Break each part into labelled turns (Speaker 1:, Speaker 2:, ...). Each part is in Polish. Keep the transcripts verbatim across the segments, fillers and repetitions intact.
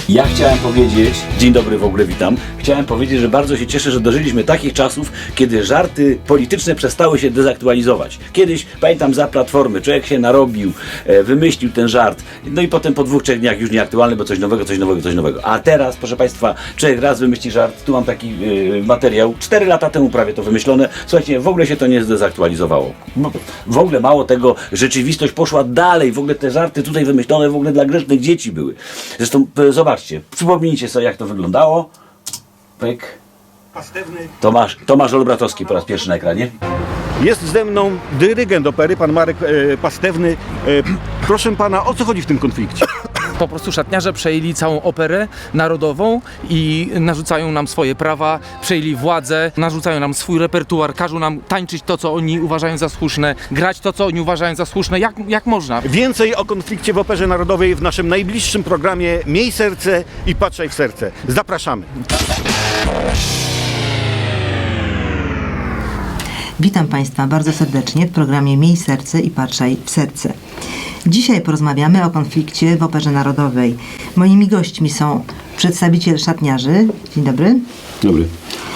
Speaker 1: Ja chciałem powiedzieć, dzień dobry w ogóle, witam. Chciałem powiedzieć, że bardzo się cieszę, że dożyliśmy takich czasów, kiedy żarty polityczne przestały się dezaktualizować. Kiedyś, pamiętam, za Platformy człowiek się narobił, e, wymyślił ten żart, no i potem po dwóch, trzech dniach już nieaktualny, bo coś nowego, coś nowego, coś nowego. A teraz, proszę Państwa, człowiek raz wymyśli żart, tu mam taki e, materiał, cztery lata temu prawie to wymyślone, słuchajcie, w ogóle się to nie zdezaktualizowało. W ogóle mało tego, rzeczywistość poszła dalej, w ogóle te żarty tutaj wymyślone w ogóle dla grzecznych dzieci były. Zresztą e, zobaczcie, przypomnijcie sobie, jak to wyglądało. Pyk. Tomasz, Tomasz Olbratowski po raz pierwszy na ekranie.
Speaker 2: Jest ze mną dyrygent opery, pan Marek e, Pastewny. E, proszę pana, o co chodzi w tym konflikcie?
Speaker 3: Po prostu szatniarze przejęli całą operę narodową i narzucają nam swoje prawa, przejęli władzę, narzucają nam swój repertuar, każą nam tańczyć to, co oni uważają za słuszne, grać to, co oni uważają za słuszne. Jak, jak można?
Speaker 2: Więcej o konflikcie w Operze Narodowej w naszym najbliższym programie Miej serce i patrzaj w serce. Zapraszamy.
Speaker 4: Witam Państwa bardzo serdecznie w programie Miej serce i patrzaj w serce. Dzisiaj porozmawiamy o konflikcie w Operze Narodowej. Moimi gośćmi są przedstawiciel szatniarzy, dzień dobry,
Speaker 1: Dobry.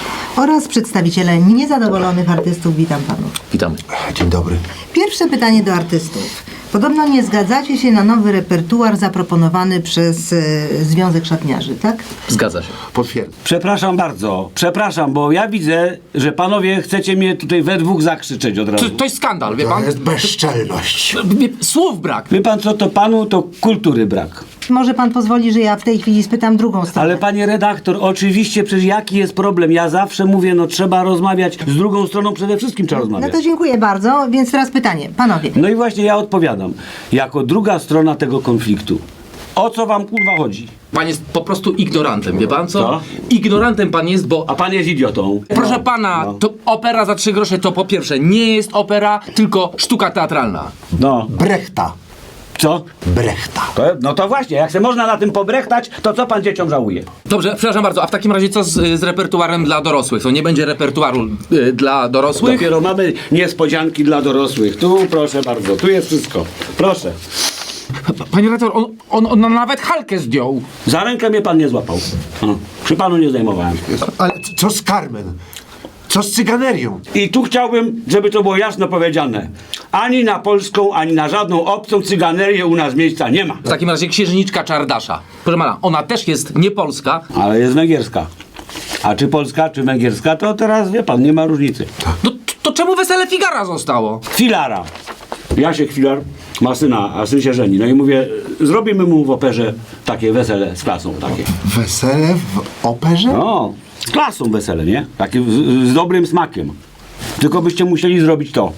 Speaker 4: oraz przedstawiciele niezadowolonych artystów, witam panów.
Speaker 1: Witamy.
Speaker 5: Dzień dobry.
Speaker 4: Pierwsze pytanie do artystów. Podobno nie zgadzacie się na nowy repertuar zaproponowany przez e, Związek Szatniarzy, tak?
Speaker 3: Zgadza się.
Speaker 5: Potwierdzam.
Speaker 1: Przepraszam bardzo, przepraszam, bo ja widzę, że panowie chcecie mnie tutaj we dwóch zakrzyczeć od razu.
Speaker 3: To, to jest skandal, wie
Speaker 5: To
Speaker 3: pan?
Speaker 5: jest bezczelność.
Speaker 3: Wie- Słów brak.
Speaker 1: Wie pan co, to panu to kultury brak.
Speaker 4: Może pan pozwoli, że ja w tej chwili spytam drugą stronę.
Speaker 1: Ale panie redaktor, oczywiście, przecież jaki jest problem? Ja zawsze mówię, no trzeba rozmawiać z drugą stroną, przede wszystkim trzeba
Speaker 4: No
Speaker 1: rozmawiać.
Speaker 4: to dziękuję bardzo, więc teraz pytanie, panowie.
Speaker 1: No i właśnie ja odpowiadam, jako druga strona tego konfliktu. O co wam kurwa chodzi?
Speaker 3: Pan jest po prostu ignorantem, wie pan co?
Speaker 1: Co?
Speaker 3: Ignorantem pan jest, bo...
Speaker 1: A pan jest idiotą.
Speaker 3: Proszę pana,
Speaker 1: No.
Speaker 3: to opera za trzy grosze to po pierwsze nie jest opera, tylko sztuka teatralna.
Speaker 1: No,
Speaker 5: Brechta.
Speaker 1: co?
Speaker 5: Brechta.
Speaker 1: To, no to właśnie, jak se można na tym pobrechtać, to co pan dzieciom żałuje?
Speaker 3: Dobrze, przepraszam bardzo, a w takim razie co z, z repertuarem dla dorosłych? To nie będzie repertuaru y, dla dorosłych?
Speaker 1: Dopiero mamy niespodzianki dla dorosłych. Tu proszę bardzo, tu jest wszystko. Proszę.
Speaker 3: Panie redaktor, on, on, on nawet halkę zdjął.
Speaker 1: Za rękę mnie pan nie złapał. O, przy panu nie zdejmowałem.
Speaker 5: Ale c- co z Carmen? Co z cyganerią?
Speaker 1: I tu chciałbym, żeby to było jasno powiedziane. Ani na polską, ani na żadną obcą cyganerię u nas miejsca nie ma.
Speaker 3: W takim razie księżniczka Czardasza. Proszę pana, ona też jest nie polska.
Speaker 1: Ale jest węgierska. A czy polska, czy węgierska, to teraz wie pan, nie ma różnicy.
Speaker 3: No, to czemu Wesele Figara zostało?
Speaker 1: Chwilara. Jasiek Chwilar ma syna, a syn się żeni. No i mówię, zrobimy mu w operze takie wesele z klasą takie.
Speaker 5: Wesele w operze?
Speaker 1: No, z klasą wesele, nie? Takie z, z dobrym smakiem. Tylko byście musieli zrobić to.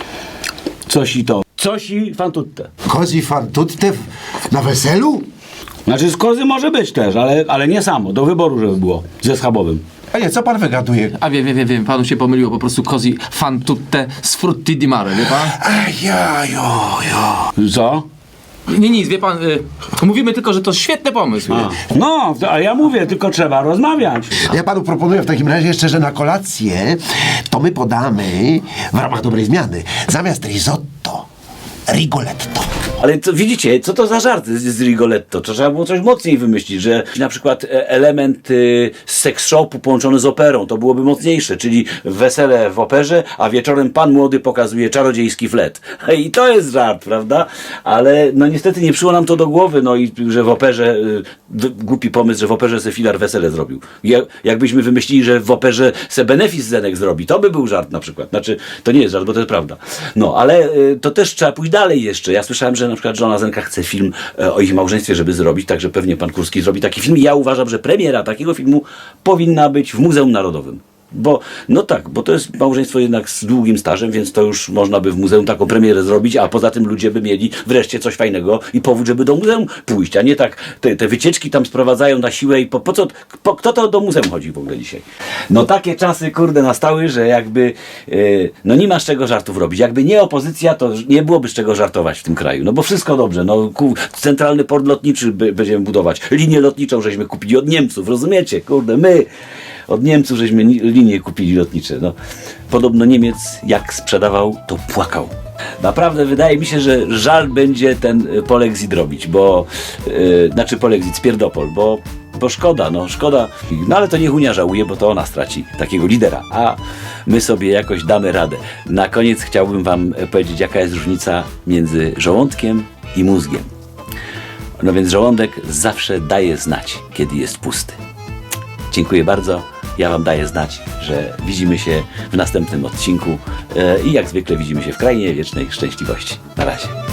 Speaker 1: Coś i to. Coś i fan tutte.
Speaker 5: Cosi fan tutte w- na weselu?
Speaker 1: Znaczy z kozy może być też, ale, ale nie samo. Do wyboru, żeby było. Ze schabowym.
Speaker 5: A nie, co pan wygaduje?
Speaker 3: A wiem, wiem, wiem, wiem, panu się pomyliło, po prostu Cosi fan tutte z frutti di mare, wie pan?
Speaker 5: Ach, ja, jo, jo.
Speaker 1: Co?
Speaker 3: Nie, nic, wie pan, y, mówimy tylko, że to świetny pomysł.
Speaker 1: A. No, to, a ja mówię, tylko trzeba rozmawiać.
Speaker 5: Ja panu proponuję w takim razie jeszcze, że na kolację to my podamy w ramach dobrej zmiany zamiast risotto, rigoletto.
Speaker 1: Ale co, widzicie, co to za żart z, z Rigoletto? To trzeba było coś mocniej wymyślić, że na przykład e, element y, z sex shopu połączony z operą, to byłoby mocniejsze, czyli wesele w operze, a wieczorem pan młody pokazuje czarodziejski flet. I to jest żart, prawda? Ale no niestety nie przyszło nam to do głowy, no i że w operze, y, w, głupi pomysł, że w operze se Filar wesele zrobił. Ja, jakbyśmy wymyślili, że w operze se benefis Zenek zrobi, to by był żart na przykład. Znaczy, to nie jest żart, bo to jest prawda. No, ale y, to też trzeba pójść dalej jeszcze. Ja słyszałem, że na przykład żona Zenka chce film e, o ich małżeństwie, żeby zrobić, także pewnie pan Kurski zrobi taki film. I ja uważam, że premiera takiego filmu powinna być w Muzeum Narodowym. Bo, no tak, bo to jest małżeństwo jednak z długim stażem, więc to już można by w muzeum taką premierę zrobić, a poza tym ludzie by mieli wreszcie coś fajnego i powód, żeby do muzeum pójść, a nie tak te, te wycieczki tam sprowadzają na siłę i po, po co, po, kto to do muzeum chodzi w ogóle dzisiaj? No takie czasy, kurde, nastały, że jakby, yy, no nie ma z czego żartów robić. Jakby nie opozycja, to nie byłoby z czego żartować w tym kraju, no bo wszystko dobrze, no ku, centralny port lotniczy by, będziemy budować, linię lotniczą żeśmy kupili od Niemców, rozumiecie? Kurde, my... Od Niemców żeśmy ni- linie kupili lotnicze. No. Podobno Niemiec jak sprzedawał, to płakał. naprawdę wydaje mi się, że żal będzie ten polexit robić, bo yy, znaczy polexit, spierdopol, bo Bo szkoda, no szkoda. No ale to niech Unia żałuje, bo to ona straci takiego lidera, a my sobie jakoś damy radę. Na koniec chciałbym wam powiedzieć, jaka jest różnica między żołądkiem i mózgiem. No więc żołądek zawsze daje znać, kiedy jest pusty. Dziękuję bardzo. Ja wam daję znać, że widzimy się w następnym odcinku e, i jak zwykle widzimy się w Krainie Wiecznej Szczęśliwości. Na razie.